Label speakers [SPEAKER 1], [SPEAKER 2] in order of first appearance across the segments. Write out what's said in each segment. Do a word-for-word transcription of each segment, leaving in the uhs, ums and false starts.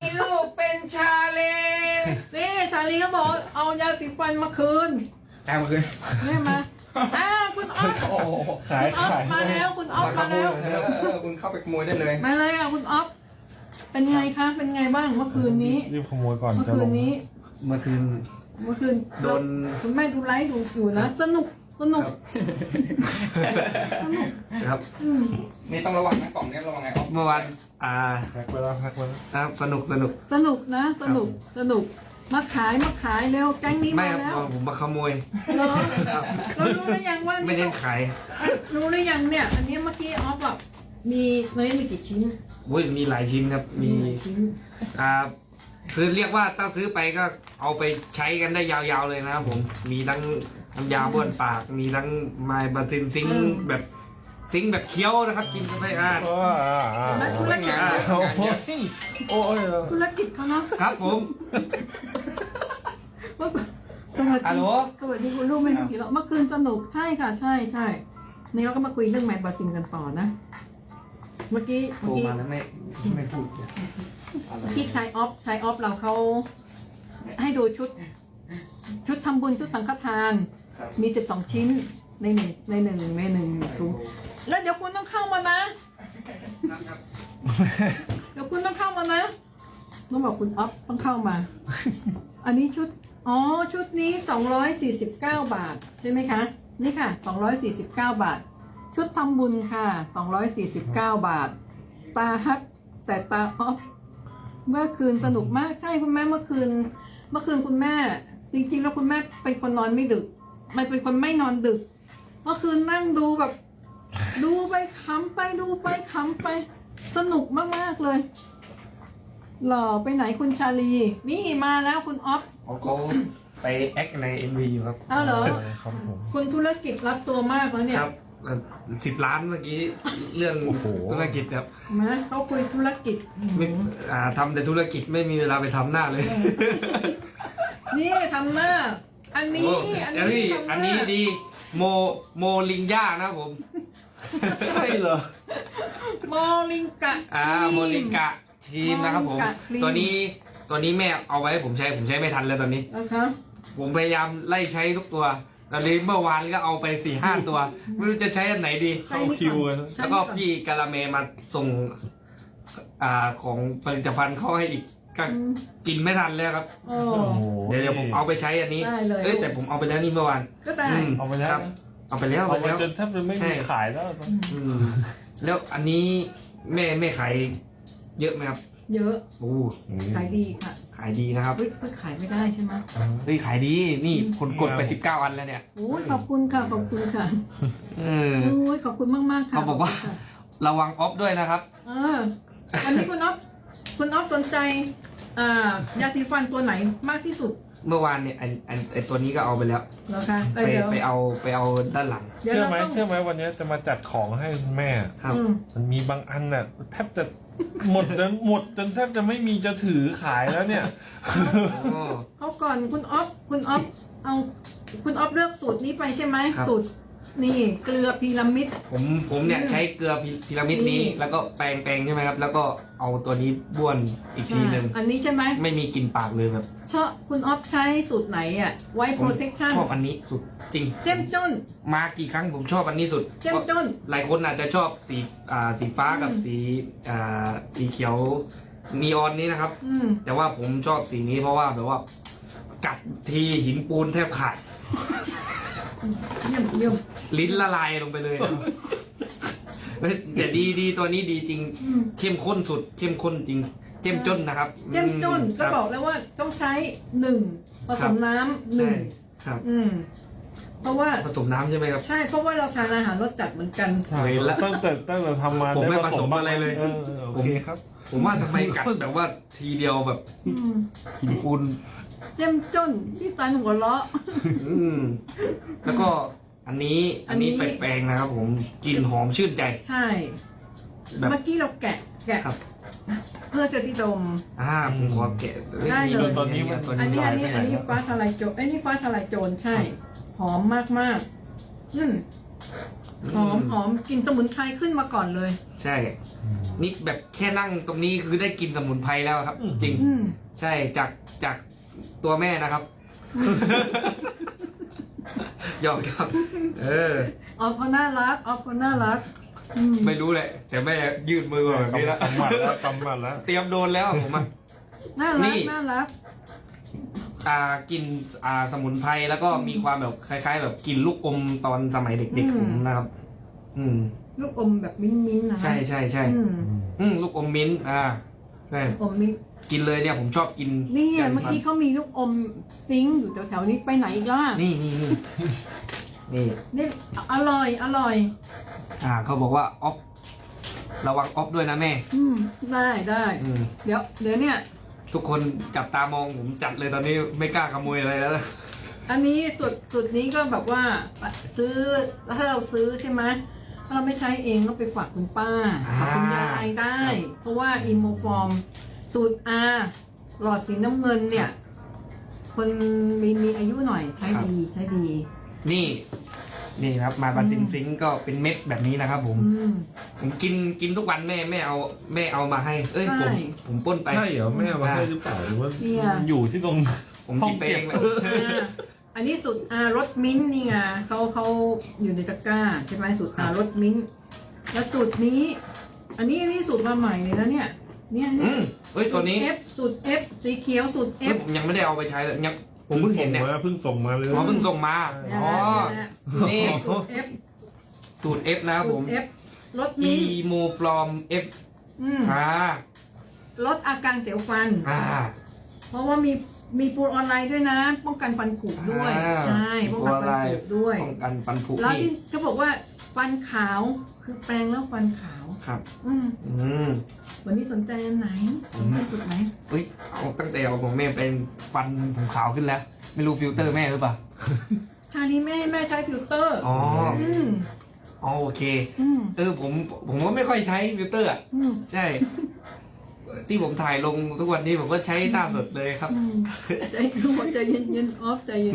[SPEAKER 1] ลูกเป็นชาเลนี่ชาลีก็บอกเอายาสีฟันมาคืน
[SPEAKER 2] แอบมาคืน
[SPEAKER 1] นี่มาอ้าวคุณอ๊อฟ
[SPEAKER 2] โอ้
[SPEAKER 3] ขาย
[SPEAKER 1] คุณอ๊อฟ
[SPEAKER 3] ขาย
[SPEAKER 1] มาแล้วคุณอ๊อฟ
[SPEAKER 2] มาข
[SPEAKER 1] มา
[SPEAKER 2] โมย
[SPEAKER 1] แล้ว
[SPEAKER 2] เออเออคุณเข้าไปขโมยได้เลย
[SPEAKER 1] มาเลยอ่ะคุณอ๊อฟเป็นไงคะเป็นไงบ้างเมื่อคืนนี้
[SPEAKER 3] รีบขโมยก่อน
[SPEAKER 1] เมื่อ
[SPEAKER 3] จะ
[SPEAKER 1] คื
[SPEAKER 3] ล
[SPEAKER 1] น
[SPEAKER 3] ง
[SPEAKER 1] นี้
[SPEAKER 2] เมื่อคืน
[SPEAKER 1] เมื่อคืน
[SPEAKER 2] โดน
[SPEAKER 1] คุณแม่ดูไลฟ์ดูอยู่นะสนุกสนุกสนุก
[SPEAKER 2] ครับ
[SPEAKER 1] อืม
[SPEAKER 2] นี่ต้องระวังนะกล่องนี้ระวังไงครับเมื่อวานอ่า
[SPEAKER 3] แพ็คไปแล้วแพ็คไปแล้ว
[SPEAKER 2] ครับสนุกสนุก
[SPEAKER 1] สนุกนะสนุกสนุกมาขายมาขายเร็วแก๊งนี้
[SPEAKER 2] ไม่
[SPEAKER 1] มา
[SPEAKER 2] ครับ
[SPEAKER 1] แล้ว
[SPEAKER 2] ผมมาขโมย
[SPEAKER 1] เหรอเรารู้หรือยังว่า
[SPEAKER 2] ไม่ได้ขาย
[SPEAKER 1] รู้หรือยังเนี่ย อันนี้เมื่อกี้ออฟแบบมีมันมีกี่ชิ้น
[SPEAKER 2] วุ้ยมีหลายชิ้นครับมี
[SPEAKER 1] หลายชิ้น
[SPEAKER 2] อ่าคือเรียกว่าถ้าซื้อไปก็เอาไปใช้กันได้ยาวๆเลยนะครับผมมีทั้งน้ำยาบ้วนปาก มีทั้งไมล์บาซินซิงค์แบบซิงค์แบบเคี้ยวนะครับ กินกันไปอ่า
[SPEAKER 3] โอ้อ่าอ่า
[SPEAKER 1] และธุรกิจ
[SPEAKER 2] อ่า
[SPEAKER 3] โอ้ยโอ้ย
[SPEAKER 1] ธุรกิจเขาเนาะ
[SPEAKER 2] ครับผม
[SPEAKER 1] สวัส
[SPEAKER 2] ฮัลโหล
[SPEAKER 1] ดีสวัสดีคุณลูกไม่มีผีหรอกเมื่อคืนสนุกใช่ค่ะใช่ใช่นี่เราก็มาคุยเรื่องแมนบาซินกันต่อนะ เมื่อกี้
[SPEAKER 2] โท
[SPEAKER 1] เมื่อ
[SPEAKER 2] ร
[SPEAKER 1] กี้
[SPEAKER 2] มาแล้วไม่ไม่พูด
[SPEAKER 1] เมื่อกี้ชายออฟชายออฟเราเขาให้ดูชุด ชุดทำบุญชุดสังฆทาน มีสิบสองชิ้นในหนึ่งในหนึ่งในหนึ่งถุงแล้วเดี๋ยวคุณต้องเข้ามานะ
[SPEAKER 2] ครับ
[SPEAKER 1] เดี๋ยวคุณต้องเข้ามานะต้องบอกคุณอ๊อฟต้องเข้ามา อันนี้ชุด อ๋อ ชุดนี้สองร้อยสี่สิบเก้าบาท ใช่ไหมคะ นี่ค่ะสองร้อยสี่สิบเก้าบาท ชุดทำบุญค่ะสองร้อยสี่สิบเก้าบาท ตาฮักแต่ตาอ๊อฟเมื่อคืนสนุกมาก ใช่คุณแม่เมื่อคืน เมื่อคืนคุณแม่ จริงๆแล้วคุณแม่เป็นคนนอนไม่ดึก ไม่เป็นคนไม่นอนดึก เมื่อคืนนั่งดูแบบ ดูไปขำไปดูไปขำไป สนุกมากๆเลย หล่อไปไหนคุณชาลี นี่มาแล้วคุณอ๊อฟ
[SPEAKER 2] เขาเขาไปแอคใน เอ็ม วี อยู่ครับ
[SPEAKER 1] อ้าวเหรอ
[SPEAKER 3] ครับผม
[SPEAKER 1] คุณธุรกิจรับตัวมากแล้วเนี่ย
[SPEAKER 2] ครับสิบล้านเมื่อกี้เรื่อง
[SPEAKER 3] โอ้โห
[SPEAKER 2] ธุรกิจครับ
[SPEAKER 1] นะเขาคุยธุรกิจ
[SPEAKER 2] ไม่อ่าทำแต่ธุรกิจไม่มีเวลาไปทำหน้าเลย
[SPEAKER 1] นี่ทำหน้า อันนี้
[SPEAKER 2] โอ้
[SPEAKER 1] อัน
[SPEAKER 2] เอ้ย
[SPEAKER 1] นี้ทำห
[SPEAKER 2] อัน
[SPEAKER 1] น้า
[SPEAKER 2] นี้ดีโมโมลิงย่านะครับผม
[SPEAKER 3] ใช่เหรอ
[SPEAKER 1] โมลิงกะ
[SPEAKER 2] อ่า
[SPEAKER 1] ครี
[SPEAKER 2] โมลิงกะทีมนะครับผม
[SPEAKER 1] โมลิงกะครีม
[SPEAKER 2] ตัวนี้ตัวนี้แม่เอาไว้ให้ผมใช้ผมใช้ไม่ทันเลยตอนนี้
[SPEAKER 1] นะคะ
[SPEAKER 2] ผมพยายามไล่ใช้ทุกตัวตอนนี้เมื่อวานก็เอาไปสี่ห้าตัว ไม่รู้จะใช้อันไหนดี
[SPEAKER 3] เข้าคิวกัน
[SPEAKER 1] ใช่
[SPEAKER 2] แล้วก็
[SPEAKER 1] นี่อน
[SPEAKER 2] พี่กาลาเมมาส่งอ่าของผลิตภัณฑ์เข้าให้อีกก็
[SPEAKER 1] อืม
[SPEAKER 2] กินไม่ทันแล้วครับ
[SPEAKER 1] โอ้
[SPEAKER 3] โอ้โห
[SPEAKER 2] เดี๋ยวเดี๋ยวผมเอาไปใช้อันนี้
[SPEAKER 1] ได้เลย
[SPEAKER 2] เอ้ยแต่ผมเอาไปแล้วนี่เมื่อวาน
[SPEAKER 1] ก็ได้
[SPEAKER 2] อืม
[SPEAKER 3] เอาไปแล้ว
[SPEAKER 2] ครับ เอาไปแล้ว
[SPEAKER 3] เอา
[SPEAKER 2] เอา
[SPEAKER 3] ไป
[SPEAKER 2] ไปแล้ว
[SPEAKER 3] จนแทบจะไม่
[SPEAKER 2] ใช่
[SPEAKER 3] มีขายแล้ว
[SPEAKER 2] อืมแล้วอันนี้แม่แม่ขายเยอะไหมครับ
[SPEAKER 1] เยอะ
[SPEAKER 2] โอ้
[SPEAKER 1] ขายดีค่ะ
[SPEAKER 2] ขายดีนะครับ
[SPEAKER 1] เฮ้ยเพิ่งขายไม่ได้ใช่ไหม
[SPEAKER 2] เฮ้ยขายดีนี่คนกดไปสิบเก้าอันแล้วเนี่ย
[SPEAKER 1] โอ้ยขอบคุณค่ะขอบคุณค่ะ
[SPEAKER 2] เออ
[SPEAKER 1] โอ้ยขอบคุณมากมากๆค่ะ
[SPEAKER 2] เขาบอกว่า
[SPEAKER 1] ขคุณค่ะ
[SPEAKER 2] ระวังออฟด้วยนะครับ
[SPEAKER 1] เอออันนี้คุณอ๊อฟคุณอ๊อฟสนใจอ่ายาสีฟันตัวไหนมากที่สุด
[SPEAKER 2] เมื่อวานเนี่ยอันอันไอตัวนี้ก็เอาไปแล้ว
[SPEAKER 1] เหรอคะ
[SPEAKER 2] ไป
[SPEAKER 1] เดี๋ยว
[SPEAKER 2] ไปเอาไปเอาด้านหลัง
[SPEAKER 1] เดี๋ยว
[SPEAKER 3] เชื่อ
[SPEAKER 1] เรา
[SPEAKER 3] ไหม
[SPEAKER 1] ต้อง
[SPEAKER 3] เชื่อไหมวันนี้จะมาจัดของให้คุณแม่
[SPEAKER 2] ครับ
[SPEAKER 1] อืม
[SPEAKER 3] มันมีบางอันน่ะแทบจะหมดจนหมดจนแทบจะไม่มีจะถือขายแล้วเนี่ย
[SPEAKER 2] อ๋อ
[SPEAKER 1] เขาก่อนคุณอ๊อฟคุณอ๊อฟเอาคุณอ๊อฟเลือกสูตรนี้ไปใช่ไหม
[SPEAKER 2] ครับ
[SPEAKER 1] สูตรนี่เกลือพีระมิด
[SPEAKER 2] ผมผมเนี่ย
[SPEAKER 1] อืม
[SPEAKER 2] ใช้เกลือพีพีระมิดนี้
[SPEAKER 1] นี่
[SPEAKER 2] แล้วก็แปรงแปรงใช่ไหมครับ แล้วก็เอาตัวนี้บ้วนอีกทีหนึ่ง
[SPEAKER 1] อ่าอันนี้ใช่ไหม
[SPEAKER 2] ไม่มีกลิ่นปากเลยแบบ
[SPEAKER 1] ชอบคุณอ๊อฟใช้สูตรไหนอ่ะไว้
[SPEAKER 2] ผ
[SPEAKER 1] โป
[SPEAKER 2] ม
[SPEAKER 1] รเทคชั่น
[SPEAKER 2] ชอบอันนี้สุดจริง
[SPEAKER 1] เจ้มจน
[SPEAKER 2] มากี่ครั้งผมชอบอันนี้สุด
[SPEAKER 1] เจ้มจน
[SPEAKER 2] หลายคนอาจจะชอบสีอ่าสีฟ้ากับ
[SPEAKER 1] อืม
[SPEAKER 2] สีอ่าสีเขียวนีออนนี้นะครับ
[SPEAKER 1] อืม
[SPEAKER 2] แต่ว่าผมชอบสีนี้เพราะว่าแบบว่ากัดทีหินปูนแทบขาด
[SPEAKER 1] เยี่ยมเยี่ยม
[SPEAKER 2] ลิ้นละลายลงไปเลยนะเฮ้ยแต่ดีดีตัวนี้ดีจริง
[SPEAKER 1] อืม
[SPEAKER 2] เข้มข้นสุด เข้มข้นจริง เจ้มจนนะครับ
[SPEAKER 1] เจ้มจน
[SPEAKER 2] อืม
[SPEAKER 1] ก็
[SPEAKER 2] ครับ
[SPEAKER 1] บอกแล้วว่าต้องใช้หนึ่งผสมน้ำหนึ่ง
[SPEAKER 2] ใช่ครับ
[SPEAKER 1] อืมเพราะว่า
[SPEAKER 2] ผสมน้ำใช่ไหมครับ
[SPEAKER 1] ใช่เพราะว่าเราทานอาหารรสจัดเหมือนกัน
[SPEAKER 3] ใช่
[SPEAKER 2] เห็นละ
[SPEAKER 3] ตั้งแต่ตั้งแต่ทำมา
[SPEAKER 2] ผมไม่
[SPEAKER 3] ด้
[SPEAKER 2] ผสมอะไรเลย
[SPEAKER 3] เออโอเคครับ
[SPEAKER 2] ผมว่าทำไมกัดแบบว่าทีเดียวแบบ
[SPEAKER 1] อืม
[SPEAKER 2] หินปูน
[SPEAKER 1] เจ้มจนที่สันหัวเราะ
[SPEAKER 2] อืมแล้วก็อันนี้
[SPEAKER 1] อั
[SPEAKER 2] อั
[SPEAKER 1] น
[SPEAKER 2] น
[SPEAKER 1] นี้
[SPEAKER 2] นี้แปลงๆนะครับ ผมกลิ่นหอมชื่นใจ
[SPEAKER 1] ใช่
[SPEAKER 2] แบบ
[SPEAKER 1] เมื่อกี้เราแกะแกะ
[SPEAKER 2] ครับ
[SPEAKER 1] เพื่อจะที่ดม
[SPEAKER 2] อ่าผมขอแกะ
[SPEAKER 1] ได้เลย
[SPEAKER 2] ตอนนี้มันตัว
[SPEAKER 1] อัน
[SPEAKER 2] นี้
[SPEAKER 1] นี้
[SPEAKER 2] ลอ
[SPEAKER 1] อั
[SPEAKER 2] ย
[SPEAKER 1] นนี้
[SPEAKER 2] ไปไหน
[SPEAKER 1] อันนี้
[SPEAKER 2] ครับ
[SPEAKER 1] ฟ้าทลายโจรไอ้ยนี่ฟ้าทลายโจรใช่ หอมมากมากๆอืมหอมหอมกลิ่นสมุนไพรขึ้นมาก่อนเลย
[SPEAKER 2] ใช่ นี่แบบแค่นั่งตรงนี้คือได้กินสมุนไพรแล้วครับ จริง
[SPEAKER 1] อืม
[SPEAKER 2] ใช่จากจากตัวแม่นะครับ หยอกครับ เออ
[SPEAKER 1] ออฟเขาน่ารักออฟเขาน่ารักอืม
[SPEAKER 2] ไม่รู้แหละ แต่แม่ยืดมือมาแบบนี้แล้ว
[SPEAKER 3] กำหมัดแล้วกำหมัดแล้ว
[SPEAKER 2] เตรียมโดนแล้วผมอ่ะ
[SPEAKER 1] น่า
[SPEAKER 2] นี่
[SPEAKER 1] รักน่ารัก
[SPEAKER 2] อ่ากินอ่าสมุนไพรแล้วก็มีความแบบคล้าย ๆ แบบกินลูกอมตอนสมัยเด็กๆผมนะครับ อืม
[SPEAKER 1] ลูกอมแบบมิ้นมิ้นๆนะ
[SPEAKER 2] ใช่ใช่ใช่
[SPEAKER 1] อืม
[SPEAKER 2] อืมลูกอมมิ้นท์อ่าใช่
[SPEAKER 1] อมมิ้น
[SPEAKER 2] กินเลยเนี่ยผมชอบกิน
[SPEAKER 1] นี่ไงเมื่อกี้เขามีลูกอมซิงค์อยู่แถวๆนี้ไปไหนอีกล่ะ
[SPEAKER 2] นี่นี่นี่นี่
[SPEAKER 1] นี่อร่อยอร่อย
[SPEAKER 2] อ่าเขาบอกว่าออฟระวังออฟด้วยนะแม่
[SPEAKER 1] อืมได้ได้
[SPEAKER 2] อืม
[SPEAKER 1] เดี๋ยวเดี๋ยวเนี่ย
[SPEAKER 2] ทุกคนจับตามองผมจัดเลยตอนนี้ไม่กล้าขโมยอะไรแล้ว
[SPEAKER 1] อันนี้สุดสุดนี้ก็แบบว่าซื้อถ้าเราซื้อใช่ไหมถ้าเราไม่ใช้เองก็ไปฝากคุณป้าฝากคุณยายได้ เพราะว่าอีโมฟอร์มสูตร R หลอดสีน้ำเงินเนี่ย คนมีมีอายุหน่อยใช้ดีใช้ดี
[SPEAKER 2] นี่ นี่ครับมาบาซินซิงก็เป็นเม็ดแบบนี้นะครับ ผม
[SPEAKER 1] อืม
[SPEAKER 2] ผมกินกินทุกวันแม่แม่เอาแม่เอามาให้ เอ้ย
[SPEAKER 1] ใช่
[SPEAKER 2] ผมผมปล้นไป
[SPEAKER 3] ใช่เหรอแม่มาให้หรือเปล่าหรือว่า
[SPEAKER 1] เนี่ย
[SPEAKER 3] มันอยู่ที่ตรง
[SPEAKER 2] ผม
[SPEAKER 3] ห้อ
[SPEAKER 2] กิ
[SPEAKER 3] ง
[SPEAKER 2] นไป
[SPEAKER 3] เก็
[SPEAKER 2] เอบ งเลย
[SPEAKER 1] อ่าอันนี้สูตร R รสมิ้นท์นี่ไงเขาเขาอยู่ในตะกร้าใช่ไหมสูตร R รสมิ้นท์แล้วสูตรนี้ อันนี้นี่สูตรมาใหม่เลยนะเนี่ย เนี่ย
[SPEAKER 2] อื
[SPEAKER 1] เนี่ย
[SPEAKER 2] มเอ้ยตัวนี้
[SPEAKER 1] สูตร F สูตร F สีเขียวสูตร
[SPEAKER 2] เอ้ย
[SPEAKER 1] F
[SPEAKER 2] ผมยังไม่ได้เอาไปใช้เลยยังผมเพิ่งเห็นเนี่ย
[SPEAKER 3] เพิ่งส่งมาเลย
[SPEAKER 2] อ๋อเพิ่งส่งมา
[SPEAKER 1] เนี่ย
[SPEAKER 2] อ๋อ
[SPEAKER 1] นะ
[SPEAKER 2] นี่
[SPEAKER 1] สูตร F
[SPEAKER 2] สูตร F นะครับ
[SPEAKER 1] สู
[SPEAKER 2] ผ
[SPEAKER 1] ต
[SPEAKER 2] ม
[SPEAKER 1] ร F รสมิ้นท์
[SPEAKER 2] e m o from F
[SPEAKER 1] อืม
[SPEAKER 2] อ่า
[SPEAKER 1] ลดอาการเสียวฟัน
[SPEAKER 2] อ่า
[SPEAKER 1] เพราะว่ามีมีฟูลออนไลน์ด้วยนะ ป้องกันฟันผุด้วย
[SPEAKER 2] อ่า
[SPEAKER 1] ใช่ป้องกันฟันผุด้วย
[SPEAKER 2] ป้องกันฟันผุ
[SPEAKER 1] แล้ว
[SPEAKER 2] นี่
[SPEAKER 1] ที่ก็บอกว่าฟันขาวคือแปรงแล้วฟันขาว
[SPEAKER 2] ครับ
[SPEAKER 1] อืม
[SPEAKER 2] อืม
[SPEAKER 1] วันนี้สนใจอันไหนสนใจจุดไหน
[SPEAKER 2] เอ้ยเอาตั้งแต่เอาของแม่เป็นฟันผมขาวขึ้นแล้ว ไม่รู้ฟิลเตอร์แม่หรือเปล่า
[SPEAKER 1] ชาลีแม่แม่ใช้ฟิลเตอร์
[SPEAKER 2] อ๋อ
[SPEAKER 1] อืม
[SPEAKER 2] อ๋อโอเค
[SPEAKER 1] อืม
[SPEAKER 2] เออผมผมก็ไม่ค่อยใช้ฟิลเตอร์อ่ะ
[SPEAKER 1] อืม
[SPEAKER 2] ใช่ ที่ผมถ่ายลงทุกวันนี้ผมก็ใช้หน้าสดเลยครับ
[SPEAKER 1] อืมใจใจเย็นเย็นๆออฟใจเย็น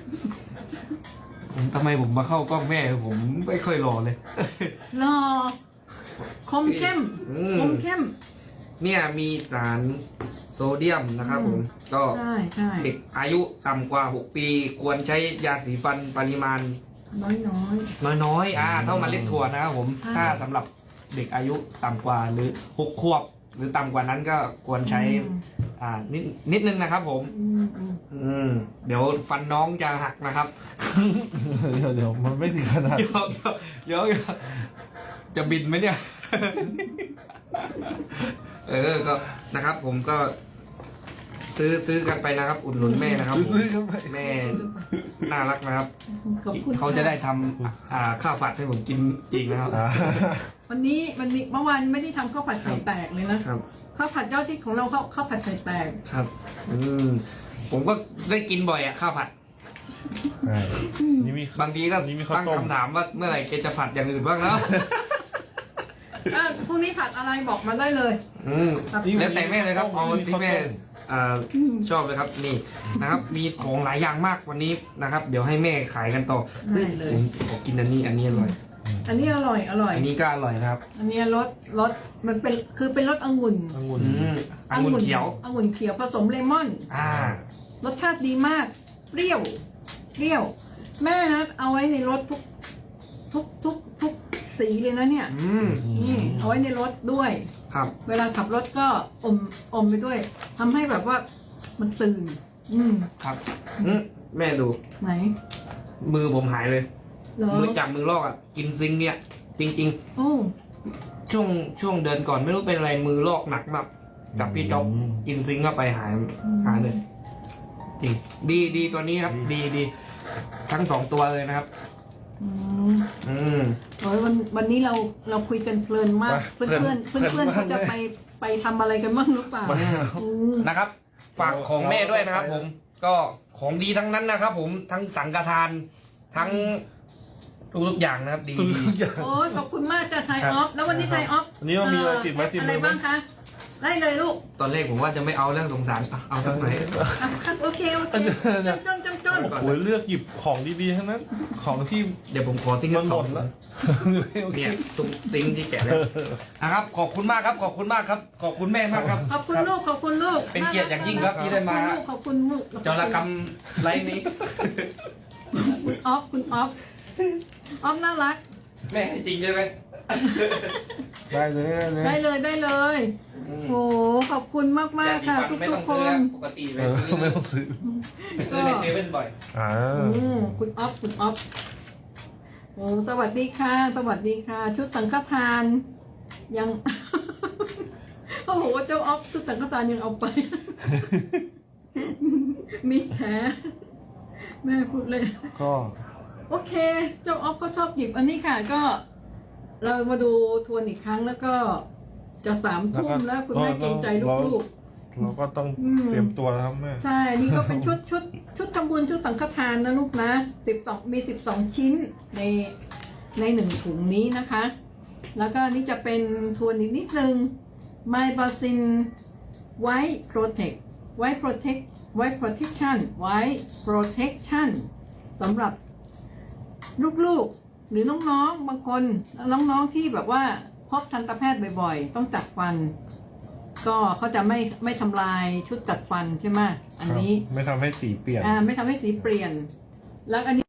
[SPEAKER 2] ผมทำไมผมมาเข้ากล้องแม่ผมไม่ค่อยรอเลย
[SPEAKER 1] รอคมเข้ม
[SPEAKER 2] อืม
[SPEAKER 1] คมเข้ม
[SPEAKER 2] เนี่ยมีสารโซเดียมนะครับผม ก็
[SPEAKER 1] ใช่ใช่
[SPEAKER 2] เด็กอายุต่ำกว่า หก ปีควรใช้ยาสีฟันปริมาณ
[SPEAKER 1] น้อยน้อย
[SPEAKER 2] น้อยๆ อ่า เท่าเมาเล็ดถั่วนะครับผม
[SPEAKER 1] ใช่
[SPEAKER 2] ถ้าสำหรับเด็กอายุต่ำกว่าหรือหกขวบ หรือต่ำกว่านั้นก็ควรใช้ อ่า นิดนิดนึงนะครับผม
[SPEAKER 1] อืมอืม
[SPEAKER 2] อืม เดี๋ยวฟันน้องจะหักนะครับ
[SPEAKER 3] เดี๋ยวเดี๋ยวมันไม่ถึงขนาด
[SPEAKER 2] เดี๋ยวเดี๋ยวเดี๋ยวจะบินไหมเนี่ย เออ ก็นะครับผมก็ ซื้อซื้อกันไปนะครับ อุดหนุนแม่นะครับผม
[SPEAKER 3] ซื้อกันไป
[SPEAKER 2] แม่น่ารักนะครับ
[SPEAKER 1] ขอบคุณ
[SPEAKER 2] เขาจะได้ทำอ่าข้าวผัดให้ผมกินอีกนะครับ
[SPEAKER 3] อ่า
[SPEAKER 1] วันนี้วันนี้เมื่อวานไม่ได้ทำข้าวผัดไข่แตกเลยนะครับ ข้าวผัดยอดที่ของเราข้าวข้าวผัดไข่แตก
[SPEAKER 2] ครับ อืม ผมก็ได้กินบ่อยอะข้าวผัด
[SPEAKER 3] ใช่นี่มี
[SPEAKER 2] บางทีก็
[SPEAKER 3] นี่มีข้าว
[SPEAKER 2] ตั้ง
[SPEAKER 3] ต้ม
[SPEAKER 2] คำถามว่าเมื่อไหร่แกจะผัดอย่างอื่นบ้างแล้ว
[SPEAKER 1] อ่ะพรุ่งนี้ผัดอะไรบอกมาได้เลย
[SPEAKER 2] อืม
[SPEAKER 1] ครับ
[SPEAKER 2] แล้วแต่แม่เลยครับเอาที่แม่อ่า
[SPEAKER 1] อืม
[SPEAKER 2] ชอบเลยครับนี่นะครับ มีของหลายอย่างมากวันนี้นะครับ เดี๋ยวให้แม่ขายกันต่อ
[SPEAKER 1] ได้เลย
[SPEAKER 2] ผมขอกินอันนี้อันนี้อร่อย
[SPEAKER 1] อันนี้อร่อยอร่อย
[SPEAKER 2] อันนี้ก็อร่อยนะครับ
[SPEAKER 1] อันนี้รสรสมันเป็นคือเป็นรสองุ่น
[SPEAKER 3] องุ่น
[SPEAKER 2] อืมองุ่นเขียว
[SPEAKER 1] องุ่นเขียวผสมเลมอน
[SPEAKER 2] อ่า
[SPEAKER 1] รสชาติดีมาก เปรี้ยว เปรี้ยว แม่นะเอาไว้ในรถทุก ทุกทุกทุกสีเลยนะเนี่ย
[SPEAKER 2] อืม
[SPEAKER 1] นี่เอาไว้ในรถด้วย
[SPEAKER 2] ครับ
[SPEAKER 1] เวลาขับรถก็อมอมไปด้วยทำให้แบบว่ามันตื่น อืม
[SPEAKER 2] ครับอืมแม่ดู
[SPEAKER 1] ไหน
[SPEAKER 2] มือผมหายเลย
[SPEAKER 1] เหรอ
[SPEAKER 2] มือจับมือลอกอ่ะ กินซิงค์เนี่ย จริง
[SPEAKER 1] โอ้
[SPEAKER 2] ๆ ช่วงช่วงเดินก่อนไม่รู้เป็นอะไรมือลอกหนักมากกับพี่จ๊อบกินซิงค์เข้าไปหายหายเลย จริง ดีดีตัวนี้ครับ ดีดีทั้งสองตัวเลยนะครับ
[SPEAKER 1] อืม
[SPEAKER 2] อืม
[SPEAKER 1] โอ้ยวันวันนี้เราเราคุยกันเพลินมาก เพื่อนเพื่อนเพื่อนเพื่อนเขาจะไปไปทำอะไรกันบ้างหรือเปล่าอืม
[SPEAKER 2] นะครับ ฝากของแม่ด้วยนะครับ ผม ก็ของดีทั้งนั้นนะครับ ผมทั้งสังฆทาน ทั้งทุกๆอย่างนะครับ ดี
[SPEAKER 3] ทุก
[SPEAKER 2] ดี
[SPEAKER 3] อย่าง
[SPEAKER 1] โอ้ยขอบคุณมากจ้ะไทย
[SPEAKER 2] ครับ
[SPEAKER 1] ออฟ แล้ววันนี้ไทยออฟ
[SPEAKER 3] วันนี้เรามีอะไรติดไม้ติดมือไหม
[SPEAKER 1] อะไรบ้างคะ ไล่เลยลูก
[SPEAKER 2] ตอนแรกผมว่าจะไม่เอาเรื่องสงสารอ่ะเอาสักหน่อย
[SPEAKER 1] อ่ะโอเคโอเคจงจงจงจงอน
[SPEAKER 2] ก่อน
[SPEAKER 3] โอ้ยเลือกหยิบของดีๆทั้งนั้น ของที่
[SPEAKER 2] เดี๋ยวผมขอทิ้ง
[SPEAKER 3] มั
[SPEAKER 2] กัน น
[SPEAKER 3] ห
[SPEAKER 2] ส
[SPEAKER 3] ม
[SPEAKER 2] อง
[SPEAKER 3] ดแล้ว
[SPEAKER 2] เนี่ยซุ้มซิงค์ที่แกะแล้วนะครับ ขอบคุณมากครับ ขอบคุณมากครับ ขอบคุณแม่มากครับ
[SPEAKER 1] ขอบคุณลูกขอบคุณลูก
[SPEAKER 2] เป็นเกียรติอย่างยิ่งครับที่ได้มา
[SPEAKER 1] ขอบคุณลูกขอบคุณลูก
[SPEAKER 2] จรกรรมไลฟ์นี้
[SPEAKER 1] คุณออฟคุณออฟออฟน่ารัก
[SPEAKER 2] แม่ให้จริงใช่ไหม
[SPEAKER 3] ได้เลยได้
[SPEAKER 1] ได้
[SPEAKER 3] เลย
[SPEAKER 1] เลยได้เลยโอ้ขอบคุณมากมากๆค่ะ ทุก
[SPEAKER 2] ไม่
[SPEAKER 1] ทุ
[SPEAKER 2] ต้
[SPEAKER 1] ก
[SPEAKER 2] อง
[SPEAKER 1] ค
[SPEAKER 2] ซื้อแล้ว
[SPEAKER 1] น
[SPEAKER 2] ปกติไป
[SPEAKER 3] เออ
[SPEAKER 2] ซื้อ
[SPEAKER 3] ไม่ต้องซื้อ
[SPEAKER 2] ไปซื้อในเซเว่นบ่อย
[SPEAKER 3] อ่า
[SPEAKER 1] อืมคุณออฟคุณออฟโอ้สวัสดีค่ะ สวัสดีค่ะ ชุดสังฆทาน ยัง โอ้โหเจ้าออฟชุดสังฆทานยังเอาไป มีแผลแม่พูดเลย
[SPEAKER 3] ก็
[SPEAKER 1] โอเค เจ้าออฟเขาชอบหยิบอันนี้ค่ะ ก็ เรามาดูทวนอีกครั้งแล้วก็จะสามทุ่มแล้วคุณแม่เกรงใจลูก
[SPEAKER 3] เราก็ต้อง
[SPEAKER 1] อืม
[SPEAKER 3] เตรียมตัวแล้วครับแม่
[SPEAKER 1] ๆ ใช่ นี่ก็เป็นชุดชุดชุดทำบุญชุดสังฆทานนะลูกนะสิบสองมีสิบสองชิ้นในในหนึ่งถุงนี้นะคะ แล้วก็นี่จะเป็นทวนอีกนิดนึง My Basin White Protect White Protect White Protection White Protection สำหรับลูกๆ หรือน้องๆ บางคนน้องๆที่แบบว่าพบทันตแพทย์บ่อยๆ ต้องจัดฟัน ก็เขาจะไม่ไม่ทำลายชุดจัดฟันใช่ไหมอันนี้
[SPEAKER 3] ไม่ทำให้สีเปลี่ยน
[SPEAKER 1] อ่าไม่ทำให้สีเปลี่ยน แล้วอันนี้